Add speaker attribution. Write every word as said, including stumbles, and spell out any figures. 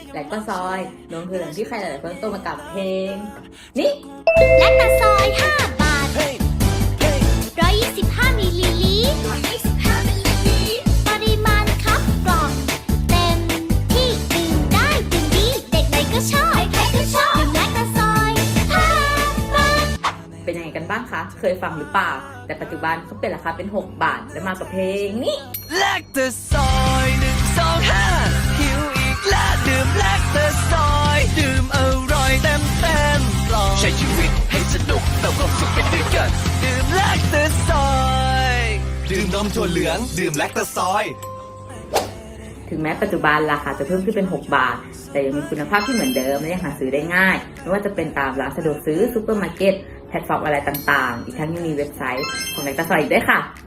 Speaker 1: และก็ซอยนมคือเหลืองที่ใครหลายๆคนต้องมากับเพลงนี่
Speaker 2: แลคตาซอยห้าบาทหนึ่งร้อยยี่สิบห้ามิลลิลิตรปริมาณครับกล่องเต็มที่ดื่มได้ดื่มดีเด็กไหนก็ชอบใครๆก็ชอบดื่มแลคตาซอยห้าบาท
Speaker 1: เป็นยังไงกันบ้างคะเคยฟังหรือเปล่าแต่ปัจจุบันเขาเปลี่ยนราคาเป็นหกบาทและมากับเพลงนี้
Speaker 3: แลคตาซอยหนึ่งสองห้าหิวอีกแล้วดื่มแลคตาซอยดื่มอร่อยเต็มเต็มกล่องใช้ชีวิตให้สนุกเติมความสุขไปด้วยกันดื่มแลคตาซอยดื่มนมถั่วเหลืองดื่มแลคตาซอย
Speaker 1: ถึงแม้ปัจจุบันราคาจะเพิ่มขึ้นเป็นหกบาทแต่ยังมีคุณภาพที่เหมือนเดิมและยังหาซื้อได้ง่ายไม่ว่าจะเป็นตามร้านสะดวกซื้อซูเปอร์มาร์เก็ตแพลตฟอร์มอะไรต่างๆอีกทั้งยังมีเว็บไซต์ของแลคตาซอยอีกด้วยค่ะ